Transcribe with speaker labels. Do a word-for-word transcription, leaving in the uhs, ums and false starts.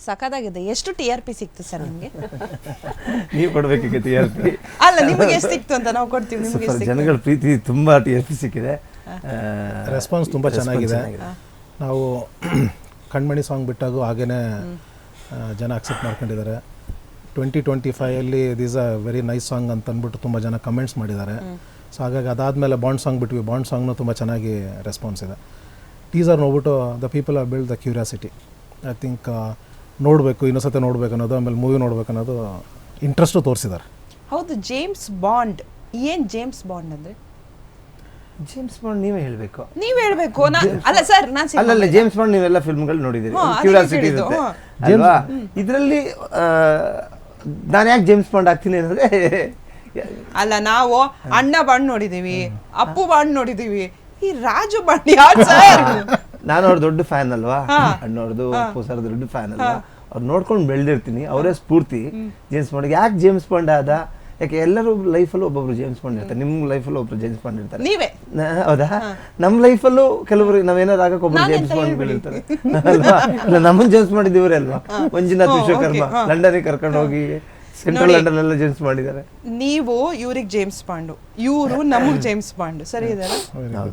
Speaker 1: ಸಖತ್ತಾಗಿದೆ. ಎಷ್ಟು T R P ಸಿಕ್ತು ಸರ್ ನಿಮಗೆ?
Speaker 2: ನೀವು ಕೊಡ್ಬೇಕೀಗ ಟಿ ಆರ್ ಪಿ.
Speaker 1: ಅಲ್ಲ ನಿಮಗೆ ಎಷ್ಟು ಸಿಕ್ತು ಅಂತ ನಾವು ಕೊಡ್ತೀವಿ. ನಿಮಗೆ
Speaker 2: ಜನಗಳ ಪ್ರೀತಿ ತುಂಬಾ ಟಿ ಆರ್ ಪಿ ಸಿಕ್ಕಿದೆ,
Speaker 3: ರೆಸ್ಪಾನ್ಸ್ ತುಂಬ ಚೆನ್ನಾಗಿದೆ. ನಾವು ಕಣ್ಮಣಿ ಸಾಂಗ್ ಬಿಟ್ಟಾಗೂ ಹಾಗೇ ಜನ ಅಕ್ಸೆಪ್ಟ್ ಮಾಡ್ಕೊಂಡಿದ್ದಾರೆ. ಟ್ವೆಂಟಿ ಟ್ವೆಂಟಿ ಫೈವಲ್ಲಿ this a very nice song ಅಂತ ಅಂದ್ಬಿಟ್ಟು ತುಂಬ ಜನ ಕಮೆಂಟ್ಸ್ ಮಾಡಿದ್ದಾರೆ. ಸೊ ಹಾಗಾಗಿ ಅದಾದಮೇಲೆ ಬಾಂಡ್ ಸಾಂಗ್ ಬಿಟ್ವಿ. ಬಾಂಡ್ ಸಾಂಗ್ನೂ ತುಂಬ ಚೆನ್ನಾಗಿ ರೆಸ್ಪಾನ್ಸ್ ಇದೆ. ಟೀಸರ್ ನೋಡ್ಬಿಟ್ಟು the people are build the curiosity. I think ನೋಡಬೇಕು, ಇನ್ನೊಂದ್ಸತಿ ನೋಡಬೇಕು ಅನ್ನೋದು, ಆಮೇಲೆ ಮೂವಿ ನೋಡ್ಬೇಕು ಅನ್ನೋದು ಇಂಟ್ರೆಸ್ಟು ತೋರಿಸಿದ್ದಾರೆ.
Speaker 1: ಹೌದು, ಜೇಮ್ಸ್ ಬಾಂಡ್ ಏನು ಜೇಮ್ಸ್ ಬಾಂಡ್ ಅಂದರೆ?
Speaker 2: ಜೇಮ್ಸ್ ಬಾಂಡ್ ನೀವೇ ಹೇಳಬೇಕು.
Speaker 1: ನೀವ್ ಹೇಳ್ಬೇಕು. ಅಲ್ಲ ಸರ್, ನಾನು
Speaker 2: ಅಲ್ಲಲ್ಲ, ಜೇಮ್ಸ್ ಬಾಂಡ್ ನೀವೆಲ್ಲ ಫಿಲ್ಮ್ಗಳು ನೋಡಿದ್ದೀರಿ, ಕ್ಯೂರಿಯಾಸಿಟಿ ಇರುತ್ತೆ ಅಲ್ವಾ? ಇದರಲ್ಲಿ ನಾನು ಯಾಕೆ ಜೇಮ್ಸ್ ಬಾಂಡ್ ಆಗ್ತೀನಿ ಅಂದರೆ,
Speaker 1: ಅಲ್ಲ ನಾವು ಅಣ್ಣ ಬಾಂಡ್ ನೋಡಿದೀವಿ, ಅಪ್ಪು ಬಾಂಡ್ ನೋಡಿದೀವಿ, ಈ ರಾಜು ಬಾಂಡ್ ಯಾರು ಸರ್?
Speaker 2: ನಾನು ಅವ್ರ ದೊಡ್ಡ ಫ್ಯಾನ್ ಅಲ್ವಾ, ಅಣ್ಣವ್ರದ್ದು ಅಪ್ಪು ಸರ್ ದೊಡ್ಡ ಫ್ಯಾನ್ ಅಲ್ವಾ, ಅವ್ರು ನೋಡ್ಕೊಂಡು ಬೆಳೆದಿರ್ತೀನಿ. ಅವರೇ ಸ್ಫೂರ್ತಿ ಜೇಮ್ಸ್ ಬಾಂಡ್. ಯಾಕೆ ಜೇಮ್ಸ್ ಬಾಂಡ್ ಆದ? ಯಾಕೆ ಎಲ್ಲರೂ ಲೈಫಲ್ಲೂ ಒಬ್ಬೊಬ್ರು ಜೇಮ್ಸ್ ಬಾಂಡ್ ಇರ್ತಾರೆ. ನಿಮ್ಮ ಲೈಫಲ್ಲೂ ಒಬ್ರು ಜೇಮ್ಸ್ ಬಾಂಡ್ ಇರ್ತಾರೆ.
Speaker 1: ನೀವೇ
Speaker 2: ಹೌದಾ? ನಮ್ಮ ಲೈಫಲ್ಲೂ ಕೆಲವರು ನಾವೇನಾದ್ರು ಆಗಕ್ಕೆ ಒಬ್ರು ಜೇಮ್ಸ್ ಬಾಂಡ್ ಇರ್ತಾರೆ ಅಲ್ವಾ? ಇಲ್ಲ, ನಮ್ಮನ್ನ ಜೇಮ್ಸ್ ಬಾಂಡ್ ಇವರೇ ಅಲ್ವಾ? ಮಂಜುನಾಥ್ ವಿಶ್ವಕರ್ಮ ಲಂಡನ್ಗೆ ಕರ್ಕೊಂಡು ಹೋಗಿ ಸೆಂಟ್ರಲ್ ಲಂಡನ್ ಎಲ್ಲ ಜೇಮ್ಸ್ ಬಾಂಡ್ ಇದ್ದಾರೆ.
Speaker 1: ನೀವು ಇವ್ರಿಗೆ ಜೇಮ್ಸ್ ಬಾಂಡು, ಇವರು ನಮಗ್ ಜೇಮ್ಸ್ ಬಾಂಡ್. ಸರಿ ಇದೆ.